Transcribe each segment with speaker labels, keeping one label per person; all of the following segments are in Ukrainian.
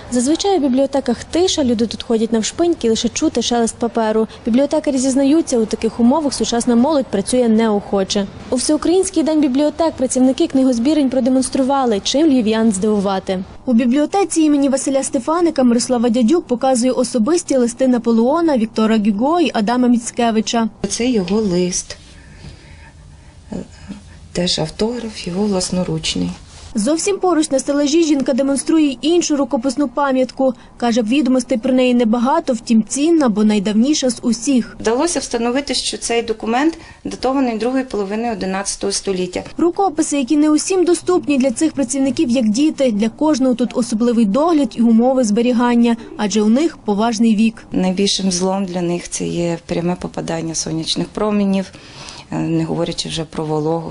Speaker 1: Зазвичай у бібліотеках тиша, люди тут ходять навшпиньки, лише чути шелест паперу. Бібліотекарі зізнаються, у таких умовах сучасна молодь працює неохоче. У Всеукраїнський день бібліотек працівники книгозбірень продемонстрували, чим львів'ян здивувати. У бібліотеці імені Василя Стефаника Мирослава Дядюк показує особисті листи Наполеона, Віктора Гюго і Адама Міцкевича.
Speaker 2: Це його лист, теж автограф, його власноручний.
Speaker 1: Зовсім поруч на стелажі жінка демонструє й іншу рукописну пам'ятку. Каже, відомостей про неї небагато, втім цінна, бо найдавніша з усіх.
Speaker 2: Вдалося встановити, що цей документ датований другої половини 11 століття.
Speaker 1: Рукописи, які не усім доступні для цих працівників, як діти. Для кожного тут особливий догляд і умови зберігання, адже у них поважний вік.
Speaker 2: Найбільшим злом для них це є пряме попадання сонячних промінів, не говорячи вже про вологу,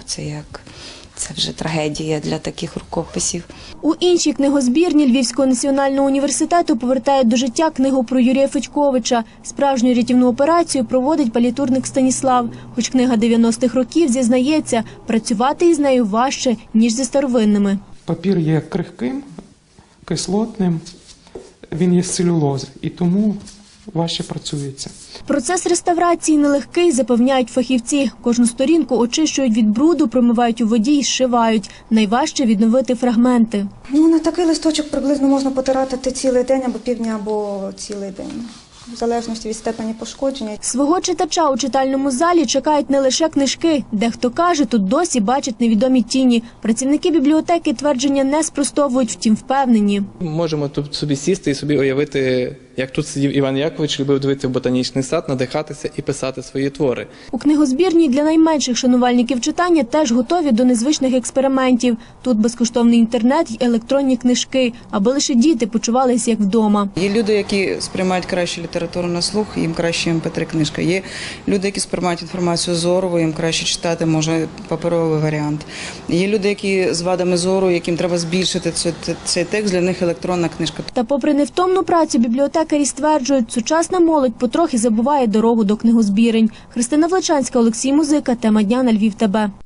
Speaker 2: це вже трагедія для таких рукописів.
Speaker 1: У іншій книгозбірні Львівського національного університету повертають до життя книгу про Юрія Федьковича. Справжню рятівну операцію проводить палітурник Станіслав. Хоч книга 90-х років, зізнається, працювати із нею важче, ніж зі старовинними.
Speaker 3: Папір є крихким, кислотним, він є з целюлози і тому важче працюється.
Speaker 1: Процес реставрації нелегкий, запевняють фахівці. Кожну сторінку очищують від бруду, промивають у воді і зшивають. Найважче відновити фрагменти.
Speaker 4: На такий листочок приблизно можна потратити цілий день або півдня, або цілий день, в залежності від степені пошкодження.
Speaker 1: Свого читача у читальному залі чекають не лише книжки. Дехто каже, тут досі бачать невідомі тіні. Працівники бібліотеки твердження не спростовують, втім впевнені.
Speaker 5: Можемо тут собі сісти і собі уявити, як тут сидів Іван Якович, любив дивитися в ботанічний сад, надихатися і писати свої твори.
Speaker 1: У книгозбірні для найменших шанувальників читання теж готові до незвичних експериментів. Тут безкоштовний інтернет й електронні книжки, аби лише діти почувалися як вдома.
Speaker 6: Є люди, які сприймають краще літературу на слух, їм краще MP3 книжка. Є люди, які сприймають інформацію зорово, їм краще читати, може, паперовий варіант. Є люди, які з вадами зору, яким треба збільшити цей текст, для них електронна книжка.
Speaker 1: Та попри невтомну працю бібліотекарі стверджують, сучасна молодь потрохи забуває дорогу до книгозбірень. Христина Влечанська, Олексій Музика. Тема дня на Львів ТБ.